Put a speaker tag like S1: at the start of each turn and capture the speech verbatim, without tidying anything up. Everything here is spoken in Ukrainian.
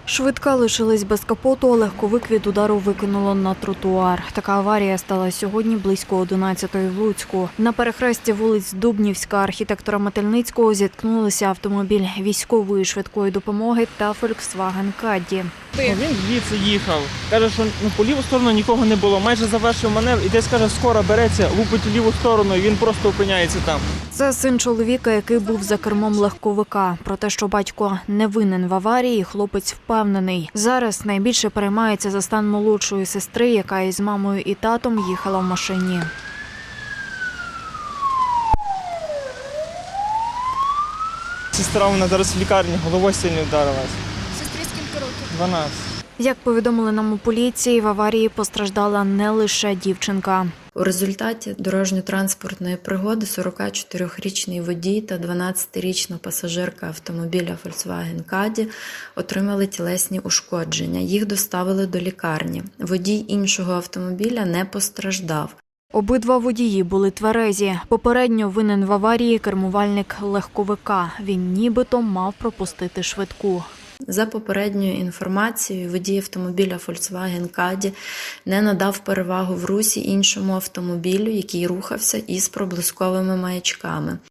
S1: Швидка лишилась без капоту, а легковик від удару викинуло на тротуар. Така аварія стала сьогодні близько одинадцятої в Луцьку. На перехресті вулиць Дубнівська, архітектора Метельницького зіткнулися автомобіль військової швидкої допомоги та Volkswagen Caddy.
S2: Ну, він звідси їхав. Каже, що ну, по ліву сторону нікого не було. Майже завершив маневр і десь, каже, скоро береться, лупить у ліву сторону і він просто опиняється там.
S1: Це син чоловіка, який був за кермом легковика. Про те, що батько не винен в аварії, хлопець впевнений. Зараз найбільше переймається за стан молодшої сестри, яка із мамою і татом їхала в машині.
S2: Сестра, вона зараз в лікарні, головою сильно вдарилась.
S3: Сестрі скільки років?
S2: дванадцять.
S1: Як повідомили нам у поліції, в аварії постраждала не лише дівчинка.
S4: У результаті дорожньо-транспортної пригоди сорокачотирирічний водій та дванадцятирічна пасажирка автомобіля Volkswagen Caddy отримали тілесні ушкодження. Їх доставили до лікарні. Водій іншого автомобіля не постраждав.
S1: Обидва водії були тверезі. Попередньо винен в аварії кермувальник легковика. Він нібито мав пропустити швидку.
S4: За попередньою інформацією, водій автомобіля Volkswagen Caddy не надав перевагу в русі іншому автомобілю, який рухався із проблисковими маячками.